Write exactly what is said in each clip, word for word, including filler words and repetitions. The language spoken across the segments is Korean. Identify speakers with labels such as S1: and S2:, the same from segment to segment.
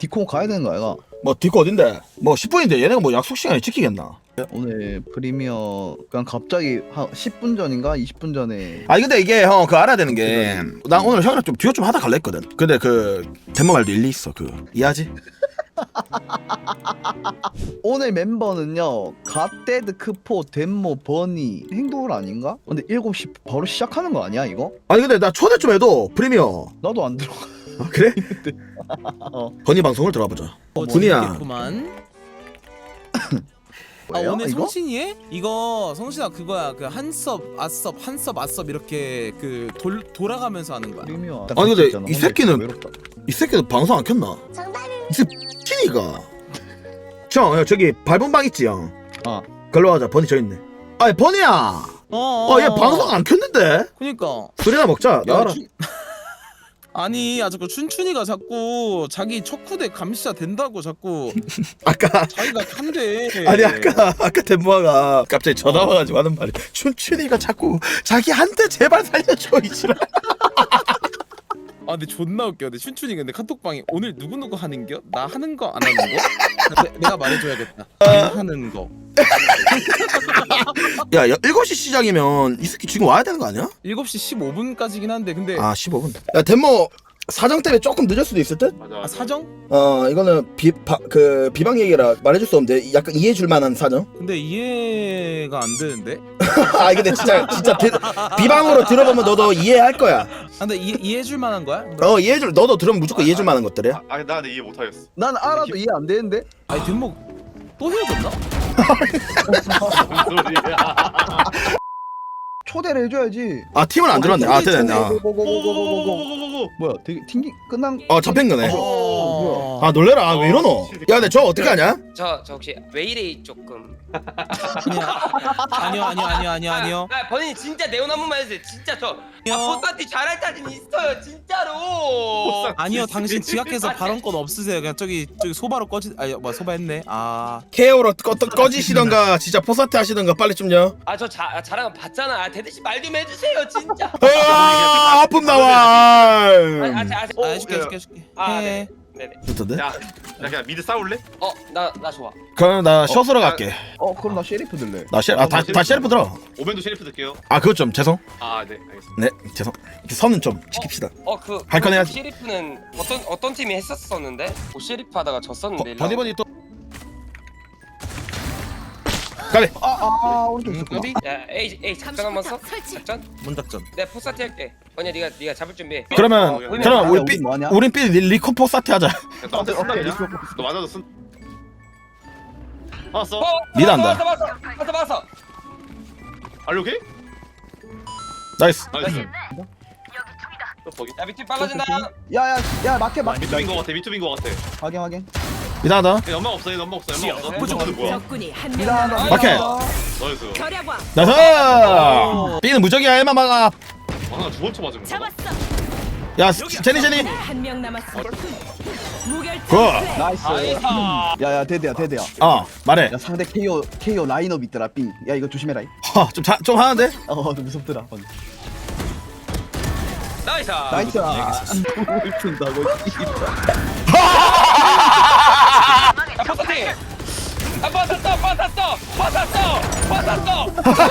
S1: 디코 가야 되는 거 아이가?
S2: 뭐 디코 어딘데? 뭐 십 분인데 얘네가 뭐 약속 시간을 지키겠나?
S1: 오늘 프리미어 그냥 갑자기 한 십 분 전인가 이십 분 전에
S2: 아니 근데 이게 형 그거 알아야 되는 게 난 오늘 형이랑 좀 듀오 좀 하다 갈라 했거든. 근데 그 덴모 말도 일리 있어. 그 이해하지?
S1: 오늘 멤버는요 갓데드, 크포, 덴모, 버니 행동을 아닌가? 근데 일곱 시 바로 시작하는 거 아니야 이거?
S2: 아니 근데 나 초대 좀 해도 프리미어.
S1: 나도 안 들어가.
S2: 아, 그래?
S1: 어.
S2: 버니 방송을 들어보자.
S3: 어,
S2: 군이야.
S3: 재밌겠구만. 아
S1: 뭐예요,
S3: 오늘
S1: 이거?
S3: 성신이 해? 이거 성신아 그거야 그 한섭 아섭 한섭 아섭 이렇게 그 돌, 돌아가면서 하는 거야.
S1: 프리미어.
S2: 아니, 근데
S1: 있잖아.
S2: 이 새끼는-
S1: 외롭다.
S2: 이 새끼도 방송 안 켰나? 이 새끼가. 형, 야, 저기 밟은 방 있지 형.
S1: 어.
S2: 걸로 가자. 버니 저 있네. 아니 버니야.
S3: 어,
S2: 어, 얘 방송 안 켰는데?
S3: 그니까.
S2: 술이나 먹자.
S3: 야,
S2: 나와라.
S3: 춘... 아니 아 자꾸 춘춘이가 자꾸 자기 척후대 감시자 된다고 자꾸
S2: 아까
S3: 자기가 한대.
S2: 아니 아까 아까 덴모아가 갑자기 전화 와가지고 하는 말이 춘춘이가 자꾸 자기 한테 제발 살려줘 이지랄.
S3: 아 근데 존나 웃겨. 근데 춘춘이 근데 카톡방에 오늘 누구누구 하는겨? 나 하는 거 안 하는 거? 내, 내가 말해줘야겠다. 안 하는 거.
S2: 야, 야 일곱 시 시작이면 이 새끼 지금 와야 되는 거 아니야?
S3: 일곱 시 십오 분까지긴 한데 근데
S2: 아 십오 분. 야 덴모 사정 때문에 조금 늦을 수도 있을 듯?
S4: 맞아.
S3: 아,
S4: 맞아.
S3: 사정?
S2: 어 이거는 비 그 비방 얘기라 말해줄 수 없는데 약간 이해해줄 만한 사정?
S3: 근데 이해가 안 되는데?
S2: 아 근데 진짜 진짜 비, 비방으로 들어보면 너도 이해할 거야.
S3: 아, 근데 이해, 이해해줄 만한 거야?
S2: 어 이해해줄 너도 들으면 무조건 이해해줄 만한 것들이야.
S4: 아, 나 근데 이해 못하겠어.
S1: 난 알아도 이해 안 되는데?
S3: 아니 뒷목 또 헤어졌나?
S4: 무슨 소리야?
S1: 초대를 해줘야지.
S2: 아 팀은 안 들어왔네. 아 됐네. 아.
S1: 고고고고고고고고. 뭐야 되게 튕기 끝난
S2: 어 잡힌 거네.
S3: 어...
S2: 아 놀래라. 아, 왜 이러노? 야 근데 저 어떻게 하냐?
S5: 저, 저 혹시 왜 이래 조금
S3: 아니요 아니요 아니요 아니요 아니요
S5: 아 본인이 진짜 내용 한 번만 해주세요 진짜 저
S3: 아니요.
S5: 아, 포스한테 잘할 자신 있어요 진짜로
S3: 아니요 당신 지각해서 발언권 없으세요. 그냥 저기 저기 소바로 꺼지 아니 뭐 소바했네. 아
S2: 케어로 꺼, 꺼지시던가 진짜 포사트 하시던가 빨리 좀요.
S5: 아저 잘한 거 봤잖아 아, 대대씨 말 좀 해주세요 진짜
S2: 아 아픔 나와.
S5: 아, 아, 자, 아,
S3: 아 해줄게 해줄게 해줄게.
S5: 아,
S3: 해.
S5: 네네
S2: 좋던데?
S4: 야, 야 그냥 미드 싸울래?
S5: 어나 나 좋아
S2: 그럼 나 셔츠로 갈게.
S1: 어 그럼 나 셰리프 들래.
S2: 나 셰, 아, 다, 다 셰리프 들어.
S4: 오벤도 셰리프 들게요.
S2: 아 그것 좀 죄송.
S4: 아, 네, 알겠습니다.
S2: 네 죄송. 선은 좀 지킵시다.
S5: 어그
S2: 할건 해야지.
S5: 오시리프는 어떤 어떤 팀이 했었었는데 오시리프 하다가 졌었는데 일로
S2: 버니 버니 또. 가래.
S1: 아아 오른쪽
S3: 음,
S1: 있었구나.
S3: 어디?
S5: 야 에이 에이 작전 한번 써? 작전?
S3: 문작전.
S5: 내가 포스한테 할게 언니야 네가 네가 잡을 준비해
S2: 그러면
S4: 어, 그냥
S2: 그러면 우리
S1: 우리
S2: 삐
S1: 뭐하냐?
S2: 우린 삐 리코 포사트 하자.
S4: 너한테 쓴다
S1: 오케이,
S4: 그냥? 너 맞아도 쓴. 알았어.
S5: 어,
S2: 미드 한다.
S5: 봤어 봤어 봤어 봤어
S4: 알려 오케이?
S2: 나이스.
S4: 나이스. 또 거기.
S5: 야 밑에 빨라진다
S1: 야야 야 마켓 마켓.
S4: 미투빈 거 같아. 미투빈 거 같아.
S1: 확인 확인.
S2: 미안하다.
S4: 얘 연막 없어. 얘 연막 없어. 연막 없어.
S5: 네.
S4: 무조건 뭐야?
S6: 적군이 한명
S1: 미안하다.
S6: 남았습니다.
S2: 오케이.
S4: 나이스.
S6: 결야광
S2: 나이스. 삐는 무적이야 에마 막아.
S4: 아, 두번 쳐 맞은 거.
S6: 잡았어.
S2: 야 제니 제니.
S6: 한명 남았습니다. 무결점.
S2: 굿.
S1: 나이스.
S5: 나이스
S1: 야야 대대야 대대야.
S2: 어 말해.
S1: 야 상대 케이오 케이오 라인업 있더라 삥. 야 이거 조심해라. 이.
S2: 좀좀 좀 하는데.
S1: 어 무섭더라. 어.
S5: 나이스
S1: 나이스. 뭘 푼다고.
S5: 야 포스팅 아 빠졌어 빠졌어 빠졌어 빠졌어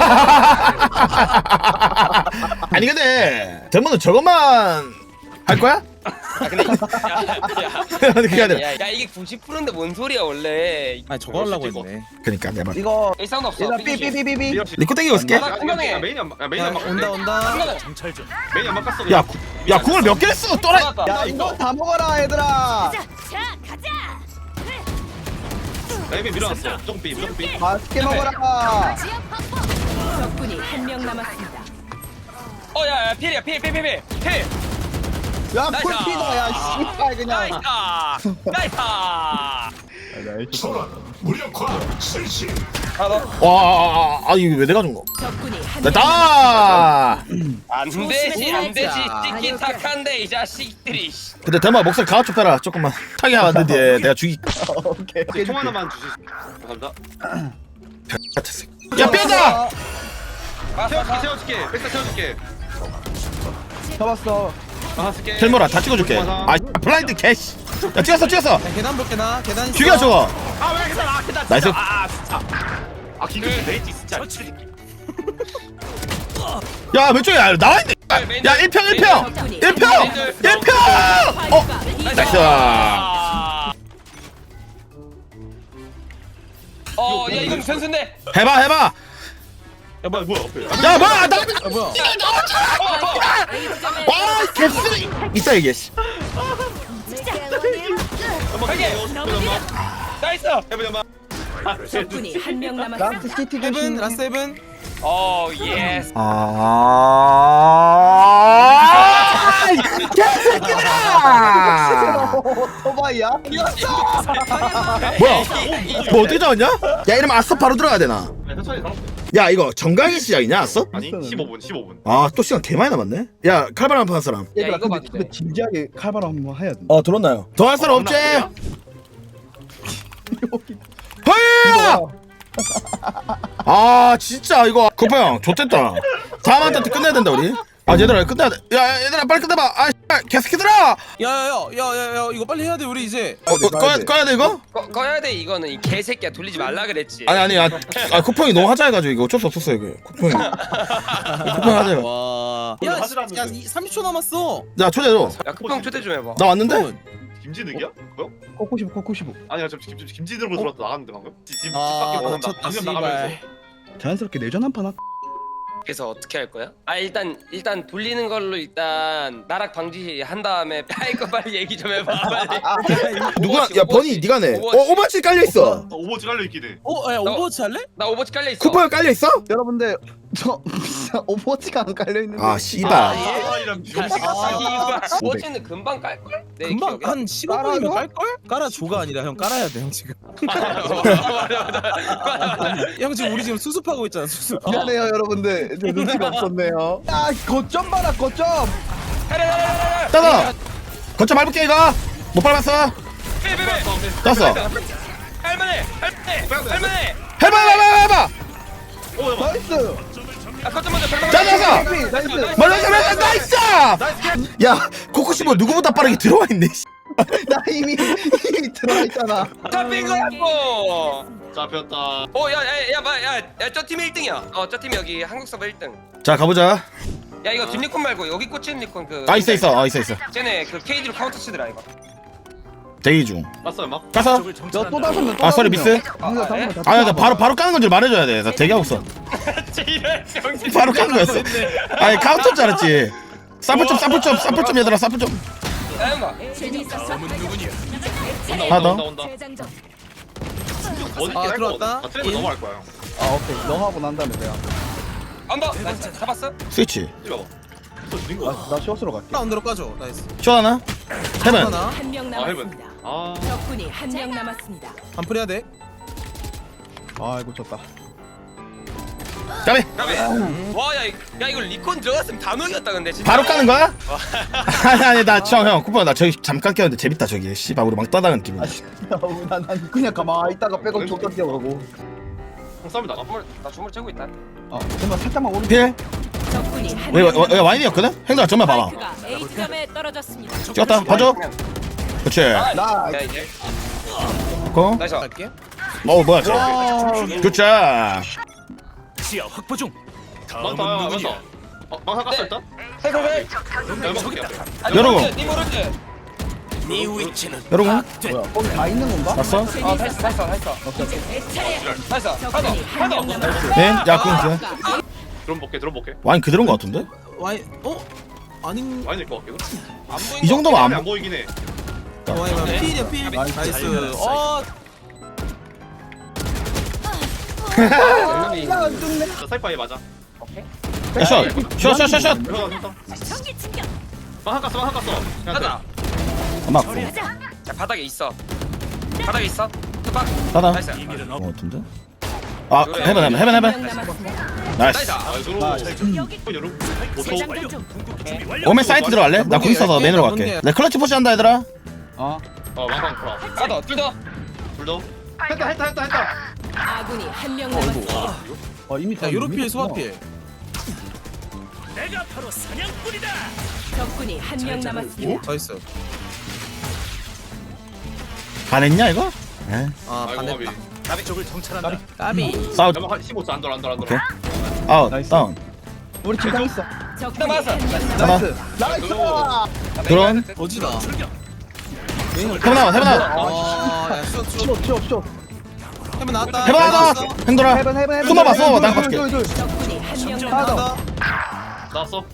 S2: 아니 근데 덴모는 저것만 할 거야?
S5: 아 근데 야야
S2: 그게 아니라.
S5: 야, 야 이게 구십 퍼센트인데 뭔 소리야 원래
S3: 아니 저거 하려고 했네.
S2: 그러니까 내 말.
S1: 이거
S5: 일 사운드 없어
S1: 얘들아 삐삐삐삐삐.
S2: 리코 땡기고 있을게.
S5: 나 공간에.
S4: 야, 메인 연막. 야, 메인
S3: 야,
S4: 연막.
S3: 온다 온다.
S4: 메인 연막 깠어.
S2: 야, 구, 야 궁을 몇 개를 써 또라이.
S1: 야 이거 다 먹어라 얘들아.
S6: 자, 자, 가자.
S4: 야, 이미 밀어놨어. 무조건 삐. 무조건 삐.
S1: 맛있게 먹어라.
S6: 지역 확보. 적군이 한명 남았습니다.
S5: 어야야 필이야 필필필필 필
S1: 야
S5: 나이스.
S1: 풀피다 야 씨발 그냥.
S5: 나이스 나이스
S2: 와, 아, 아, 아 이거 왜 내가 준 거?
S6: 적군이 한명
S2: 됐다.
S5: 안 되지 안 되지 찍기 탁한데 이 자식들이
S2: 근데 대마 목소리 가아 좀 빼라. 조금만 타게 하면 안 되는데 내가 죽이.
S1: 오케이.
S4: 혹시 총 하나만 주실 수 감사합니다.
S2: 같은 새끼. 야 빼자.
S4: 세워줄게, 세워줄게. 백사 세워줄게.
S1: 잡았어.
S4: 아, 쓸게.
S2: 텔모라 다 찍어줄게. 아 블라인드 캐시. 야 찍었어 찍었어.
S3: 야, 계단 볼게 나 계단 있어.
S2: 죽여 저거.
S4: 아왜 계산 아 계산
S2: 나이스.
S4: 아 진짜 아 기계 레이지 진짜 미친 새끼
S2: 야 왼쪽에 야, 나와있네. 야 일 평 일 평 일 평 일 평. 어 나이스.
S5: 어, 야 이건 변수인데.
S2: 해봐 해봐.
S4: 야 뭐야 뭐야
S2: 야 뭐야 나.
S3: 아 뭐야?
S2: 와 개쓰레기. 이따 얘기해. 씨.
S5: 나이스.
S4: 해보자
S6: 적군이 한 명 남았습니다.
S1: 라스트 시티
S3: 세븐
S1: 조심.
S3: 라스 세븐.
S5: 어, 예스.
S2: 아. 개새끼들아.
S1: 오토바이야?
S2: 뭐야? 뭐 어떻게 잡았냐? 야 이러면 아싸 바로 들어가야 되나?
S4: 천천히 살았어
S2: 야 이거 정강이 시작이냐 아싸?
S4: 아니 십오 분 십오 분
S2: 아 또 시간 개 많이 남았네. 야 칼바람 한판 할 사람.
S1: 얘들아
S5: 이거
S1: 근데,
S5: 봐도
S1: 근데
S5: 돼.
S1: 진지하게 칼바람 한번 해야 돼.
S2: 어 들었나요? 더 할 사람 없지? 허이! 아 진짜 이거 쿠파 형 좋댔다. 다음 한테 끝내야 된다 우리. 아 얘들아 끝내야 돼. 야 얘들아 빨리 끝내봐. 아 씨발 개새끼들아.
S3: 야야야야야야 이거 빨리 해야 돼 우리 이제.
S2: 어, 어, 꺼야 꺼야 돼 이거?
S5: 꺼, 꺼야 돼 이거는 이 개새끼야 돌리지 말라 그랬지.
S2: 아니 아니 아, 아 쿠파 형이 너무 하자 해가지고 이거 어쩔 수 없었어 이거. 쿠파 형이. 쿠파 형 하자.
S3: 와.
S4: 오늘
S3: 야,
S4: 하질 않는데.
S3: 야, 이- 삼십 초 남았어.
S2: 야 초대 줘.
S5: 야 쿠팡 초대 좀 해봐.
S2: 나 왔는데?
S4: 김진욱이야? 뭐야?
S1: 코코시브 코코시브.
S4: 아니야 저 김, 김진욱으로 들어왔다 나갔는데 방금? 집, 집
S3: 아,
S4: 밖에 나간다
S3: 쳤다,
S4: 방금
S3: 씨발.
S4: 나가면서
S1: 자연스럽게 내전 한판 할까?
S5: 그래서 어떻게 할 거야? 아 일단 일단 돌리는 걸로 일단 나락 방지 한 다음에 야 이거 빨리 얘기 좀 해봐 빨리.
S2: 누구야?
S5: 오버워치,
S2: 야 버니
S5: 오버워치.
S2: 네가 내. 어
S5: 오버워치.
S2: 오버치 깔려 있어.
S4: 어, 오버워치 깔려있긴 해
S3: 어, 야 오버워치 할래?
S5: 나 오버워치 깔려 있어.
S2: 쿠파 형 깔려 있어?
S1: 여러분들 저 오버워치가 안 깔려 있는데.
S2: 아 씨발.
S4: 아이랑
S5: 아, 오버워치는 금방 깔 걸? 내
S3: 금방
S5: 기억에.
S3: 한 십오 분이면 깔 걸? 깔아줘가 아니라 형 깔아야 돼 형 지금. 형 지금 우리 지금 수습하고 있잖아 수습.
S1: 미안해요 여러분들. 저 눈치가 없었네요. 야 거점 봐라 거점.
S2: 따다. 거쳐 밟을게 이거. 못 밟았어. 땄어.
S5: 할만해 할만해 할만해.
S2: 해봐 해봐 해봐.
S1: 나이스.
S5: 아 거점 먼저 거점
S2: 자, 자, 자.
S1: 나이스 나이스.
S2: 멀리 가면 나이스. 야 코코시모 누구보다 빠르게 들어와 있네. 씨.
S1: 나 이미 이미 들어가 있잖아.
S5: 잡힌 거라고.
S4: 잡혔다
S5: 어야야야야야저 팀이 일 등이야. 어 저 팀이 여기 한국 서버 일 등.
S2: 자 가보자.
S5: 야 이거 뒷니콘 말고 여기 꽂힌 니콘 그.
S2: 아 있어 있어. 어 있어 있어.
S5: 쟤네 그 케이지로 카운터 치더라 이거.
S2: 대기 중.
S4: 봤어요 막?
S2: 가서.
S1: 야또 다섯 명. 또
S2: 아 쏘리
S1: 다섯 명.
S2: 미스.
S1: 방금 다섯 명 다
S2: 아나
S1: 또
S2: 바로 바로 까는 건줄 말해줘야 돼. 나 대기하고 있어. 바로 까는 거였어. 아니 카운터인 줄 알았지. 사플 좀 사플 좀 사플 좀 얘들아 사플 좀.
S5: 야연가.
S6: 재밌었어.
S2: 하나 더.
S4: 온다 온다
S6: 재장전.
S4: 어디
S3: 아,
S4: 할거
S3: 들어왔다.
S4: 다 트레이드 넘어갈 거야
S1: 아 오케이. 너 하고 난 다음에 내가.
S5: 언더. 나 진짜 잡았어?
S2: 스위치.
S4: 이거 또 드린 거야
S1: 나 쇼스로 갈게.
S3: 라운드로 까줘. 나이스.
S2: 쇼 하나. 해븐.
S3: 하나.
S6: 한 명
S4: 아 해븐
S6: 남았습니다.
S4: 아
S6: 적군이 한 명 남았습니다.
S3: 반풀 해야 돼.
S1: 아이고 졌다.
S2: 까비.
S5: 와야 야 이거 리콘 들어갔으면 다 녹였다 근데 진짜.
S2: 바로 까는 거야? 아니 아니 나형 쿠폰 나 저기 잠깐 꼈는데 재밌다 저기. 씨발 우리 막 떠다니는 기분.
S1: 아 진짜 난, 난 그냥 가만히 있다가 백업 줬다 뛰어가고.
S4: 형 싸움 나가
S5: 주물 나 주물 채고 있다.
S1: 아 정말 살짝만 오른.
S2: 필.
S6: 적군이 한
S2: 왜,
S6: 명.
S2: 왜, 왜 와인이었거든? 행동아 정말 봐봐.
S6: 스파이크가 A점에 떨어졌습니다.
S2: 찍었다 봐줘. 그렇지.
S1: 나
S5: 야 이제
S2: 고.
S5: 나이스.
S3: 갈게.
S2: 어 뭐야 저.
S1: 와.
S2: 좋자.
S7: 시야 확보 중.
S4: 많다
S7: 다음은
S4: 많다
S7: 누구냐?
S4: 어? 망사 깠어 일단?
S5: 살살살.
S4: 저기 있다
S2: 여러분.
S5: 니 모르지?
S7: 네 위치는
S2: 여러분
S1: 뭐야 거기 다 있는 건가?
S2: 왔어?
S5: 아 됐어 됐어 됐어.
S6: 내 차례.
S5: 됐어.
S6: 적군이 한 명
S5: 하나
S6: 남았습니다.
S2: 네? 야 그럼 돼.
S4: 드론 볼게 드론 볼게
S2: 와인 그대로인 거 같은데?
S3: 와인 어? 아닌
S4: 많이 될것 같기도
S5: 안 보인
S2: 이 정도면
S4: 안,
S2: 안
S4: 안 보이긴 해
S3: 와인 와인 필이야 필. 나이스. 어.
S1: 야 죽네.
S4: 저 사이파이 맞아
S2: 야, 샷! 샷, 샷, 샷, 샷!
S4: 들어가 들어가
S6: 전기 충격.
S4: 망사 깠어 망사 깠어
S5: 하나.
S2: 안 맞고.
S5: 자 바닥에 있어. 바닥에 있어. 투박.
S2: 하나.
S5: 나이스.
S7: 이밀은
S2: 어
S7: 없.
S2: 같은데? 아 해븐 해븐 해븐
S6: 한
S2: 해븐.
S6: 명 남았습니다.
S2: 나이스.
S4: 나이스
S6: 여기
S4: 여러분
S6: 재장전 중.
S7: 준비 완료.
S2: 오멘 사이트 들어갈래? 나
S3: 뭔데,
S2: 궁 써서
S3: 열개?
S2: 맨으로
S3: 뭔데?
S2: 갈게. 내 클러치 푸시 한다 얘들아.
S1: 아
S4: 어 망상 풀어
S5: 하나 둘더.
S4: 둘더 했다 했다 했다 했다
S6: 아군이 한 명 남았습니다.
S1: 어, 이미 다
S3: 야 요로필
S1: 이미
S3: 소화필.
S7: 내가 바로 사냥꾼이다.
S6: 적군이 한 명 남았습니다.
S3: 나이스.
S2: 반했냐 이거? 에?
S3: 아
S4: 아이고
S3: 반대.
S4: 까비.
S7: 나비 쪽을 정찰한다.
S3: 까비.
S2: 싸우.
S4: 연막 한 십오 초 안 돌아 안 돌아 안
S2: 오케이.
S4: 돌아.
S2: 아웃
S1: 나이스.
S2: 다운.
S1: 우리 지금 있어.
S6: 적군이
S5: 맞아.
S6: 한 명
S2: 잡아.
S1: 나이스. 나이스.
S2: 드론.
S3: 어지다.
S2: 해봐 나와 해봐 나와.
S3: 아야 슛 슛.
S1: 쇼, 쇼, 쇼.
S3: 해면 나왔다.
S2: 해봐 나와. 행돌아.
S1: 헤븐, 헤븐, 헤븐.
S2: 숨어봐, 숨어봐.
S1: 둘,
S2: 나
S1: 둘,
S2: 갈게.
S1: 둘, 둘.
S6: 적군이 한 명
S1: 하나 더.
S6: 남았습니다.
S4: 나왔어.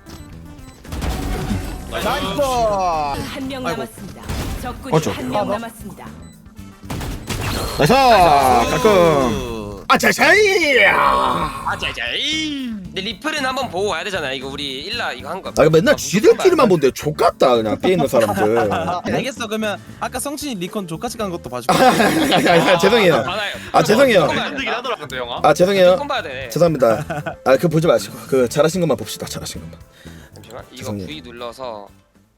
S1: 나이스.
S6: 한 명
S3: 아이고.
S6: 남았습니다. 적군이
S2: 어쩌.
S6: 한 명 남았습니다.
S2: 나이스. 가끔. 아차샤이.
S5: 아자자이. 근데 리플은 한번 보고 와야 되잖아. 이거 우리 일라 이거 한 거.
S2: 아 맨날 지들끼리만 본데 족같다 그냥 삐 있는 사람들.
S3: 아, 알겠어. 그러면 아까 성진이 리콘 조까지 간 것도 봐줄게.
S2: 아, 죄송해요.
S5: 많아요.
S2: 아 죄송해요.
S4: 흔들긴 하더라 근데 영화.
S2: 아 죄송해요.
S5: 조금 봐야 돼.
S2: 죄송합니다. 아 그 보지 마시고 그 잘하신 것만 봅시다. 잘하신 것만.
S5: 잠시만. 이거
S2: 죄송해요.
S5: V 눌러서